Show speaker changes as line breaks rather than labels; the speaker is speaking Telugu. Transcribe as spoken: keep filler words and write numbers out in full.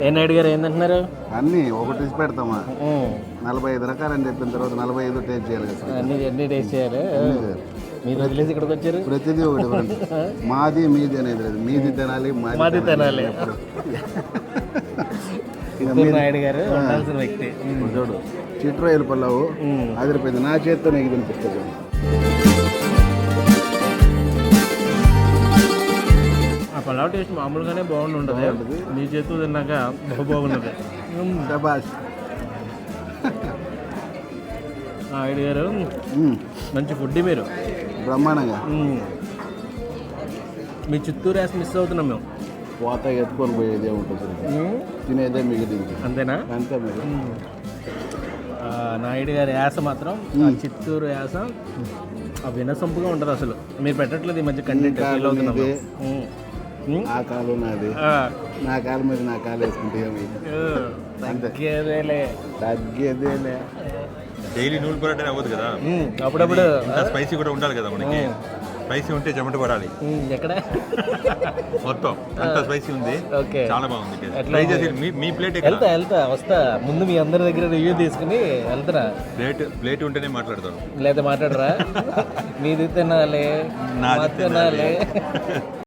ఏ నాయుడు గారు ఏంటంటున్నారు?
అన్నీ ఒకటి తీసి పెడతామా, నలభై ఐదు రకాలు అని చెప్పిన తర్వాత నలభై ఐదు టేస్ట్ చేయాలి కదా.
అన్ని అన్ని టేస్ట్ చేయాలి. మీరు వదిలేసి ఇక్కడికి వచ్చారు.
ప్రతిదీ ఒకటి different. మాది మీది అనేది లేదు, మీది తినాలి
మాది తినాలి. చిత్తూరు నాయుడు గారు ఉండాల్సిన వ్యక్తి.
చూడు చిట్రాయలు పల్లవు అదిరిపోయింది, నా చేత్తో నీకు తినిపిస్తుంది.
ఆ పలావ్ టేస్ట్ మామూలుగానే బాగుంటుంది, మీ చేతితో తిన్నాక బహు బాగున్నది.
శబాష్
నాయుడు గారు మంచి ఫుడ్ మీరు
బ్రహ్మాండంగా.
మీ చిత్తూరు యాస మిస్ అవుతున్నాం మేము.
పోత ఎత్తుకొని పోయేదే ఉంటుంది, తినేదే మిగిలింది.
అంతేనా?
అంతే మీరు.
నాయుడు గారి యాస మాత్రం, ఆ చిత్తూరు యాస ఆ వినసొంపుగా ఉంటుంది అసలు. మీరు పెట్టట్లేదు ఈ మధ్య కంటెంట్.
ఆ కాలు నాది, నా కాలు మీద నా కాలు వేసుకుంటే
తగ్గేదేలే
తగ్గేదేలే.
డైలీ నూనె పొరటే అవ్వదు కదా,
అప్పుడప్పుడు
స్పైసీ కూడా ఉండాలి కదా మనకి. స్పైసీ ఉంటే చెమట పడాలి
ఎక్కడ
మొత్తం అంత స్పైసీ ఉంది. చాలా బాగుంది. ట్రై చేసి మీ ప్లేట్
వెళ్తా వెళ్తా వస్తా ముందు మీ అందరి దగ్గర రివ్యూ తీసుకుని వెళ్తున్నా.
ప్లేట్ ప్లేట్ ఉంటేనే మాట్లాడతాను,
లేదా మాట్లాడరా? మీది తినాలి,
నాది
తినాలి.